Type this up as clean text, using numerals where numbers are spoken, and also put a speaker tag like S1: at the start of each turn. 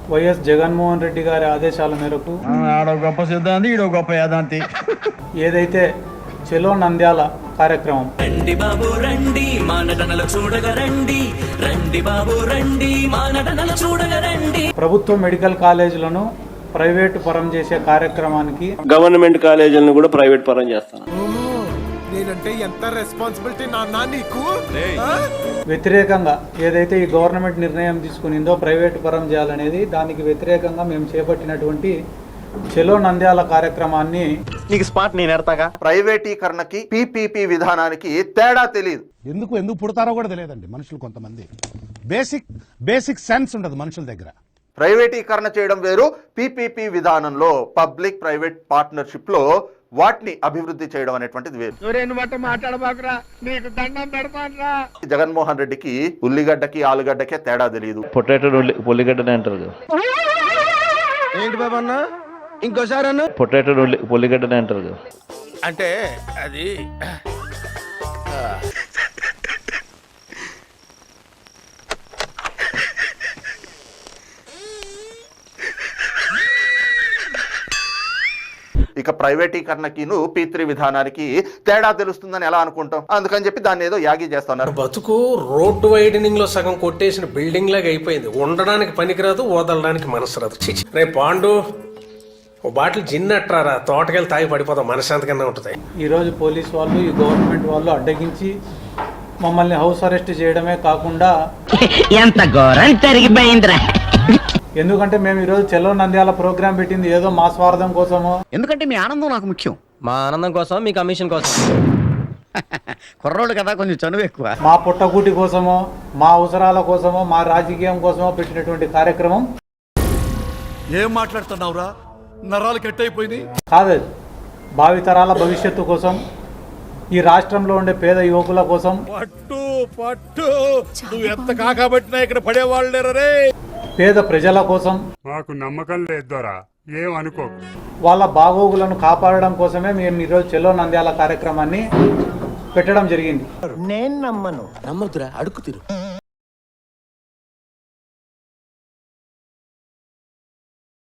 S1: YS Jaganmohan Reddy గారి ఆదేశాల మేరకు
S2: ఆడో గొప్ప సిద్ధాంతి ఈడో గొప్ప యాదాంతి
S1: ఏదైతే చెలో నంద్యాల కార్యక్రమం
S3: రండి బాబు రండి మా నటనల చూడగ రండి రండి బాబు రండి మా నటనల చూడగ రండి
S1: ప్రభుత్వ మెడికల్ కాలేజీలను ప్రైవేటు పరం చేసే కార్యక్రమానికి
S4: గవర్నమెంట్ కాలేజీలను కూడా ప్రైవేట్ పరం చేస్తాను.
S5: నేనంటే ఎంత రెస్పాన్సిబిలిటీ నాన్న నీకు.
S1: వ్యతిరేకంగా ఏదైతే ఈ గవర్నమెంట్ నిర్ణయం తీసుకునిందో ప్రైవేటు పరం చేయాలనేది, దానికి వ్యతిరేకంగా మేము చేపట్టినటువంటి చెలో నంద్యాల కార్యక్రమాన్ని
S6: నీకు స్పాట్ నేను ఎడతాగా. ప్రైవేటీకరణకి పీపీపీ విధానానికి తేడా తెలియదు.
S7: ఎందుకు పుడతారో కూడా తెలియదండి మనుషులు. కొంతమంది బేసిక్ సెన్స్ ఉండదు మనుషుల దగ్గర.
S6: ప్రైవేటీకరణ చేయడం వేరు, పీపీపీ విధానంలో పబ్లిక్ ప్రైవేట్ పార్ట్నర్షిప్ లో వాటిని అభివృద్ధి చేయడం అనేటువంటిది వేరు. జగన్మోహన్ రెడ్డికి ఉల్లిగడ్డకి ఆలుగడ్డకే తేడా తెలియదు.
S4: పొటాటో ఉల్లిగడ్డనే అంటారు.
S5: ఏంటి బాబా అన్న ఇంకోసారి అన్న.
S4: పొటాటో ఉల్లిగడ్డనే అంటారు.
S5: అంటే అది
S6: ఇక ప్రైవేటీకరణకి P3 విధానానికి తేడా తెలుస్తుందని ఎలా అనుకుంటాం? అందుకని చెప్పి దాన్ని ఏదో యాగి చేస్తున్నారు.
S8: బతుకు రోడ్డు వైడనింగ్ లో సగం కొట్టేసిన బిల్డింగ్ లాగా అయిపోయింది. ఉండడానికి పనికిరాదు, వదలడానికి మనసు రాదు. రే పాండు, ఓ బాటిల్ జిన్ అట్రారా, తోటకెళ్ళి తాగి పడిపోతాం, మనశాంతికన్నా ఉంటుంది.
S1: ఈరోజు పోలీస్ వాళ్ళు, ఈ గవర్నమెంట్ వాళ్ళు అడ్డగించి మమ్మల్ని హౌస్ అరెస్ట్ చేయడమే కాకుండా
S9: ఎంత ఘోరం జరిగిపోయిందిరా.
S1: ఎందుకంటే మేము ఈరోజు చెలో నంద్యాల ప్రోగ్రాం పెట్టింది ఏదో మా స్వార్థం కోసమో.
S9: ఎందుకంటే మీ ఆనందం నాకు ముఖ్యం.
S3: మా ఆనందం కోసం, మీ కమిషన్ కోసం.
S9: కుర్రోళ్ళు కదా, కొంచెం చనువు ఎక్కువ.
S1: మా పుట్టగూటి కోసమో, మా అవసరాల కోసమో, మా రాజకీయం కోసమో పెట్టినటువంటి కార్యక్రమం
S5: ఏం మాట్లాడుతున్నావురా? నరాలు కట్ అయిపోయింది
S1: కాదు. భావితరాల భవిష్యత్తు కోసం, ఈ రాష్ట్రంలో ఉండే పేద యువకుల కోసం,
S5: పట్టు నువ్వు ఎంత కాకబట్టినా ఇక్కడ పడేవాళ్ళు లేరే.
S1: పేద ప్రజల కోసం,
S7: మాకు నమ్మకం లేదోరా, ఏం అనుకో.
S1: వాళ్ళ బాగోగులను కాపాడడం కోసమే మేము ఈరోజు చెలో నంద్యాల కార్యక్రమాన్ని పెట్టడం జరిగింది.
S5: నేను నమ్మను. నమ్మదురా, అడుగు తిరు.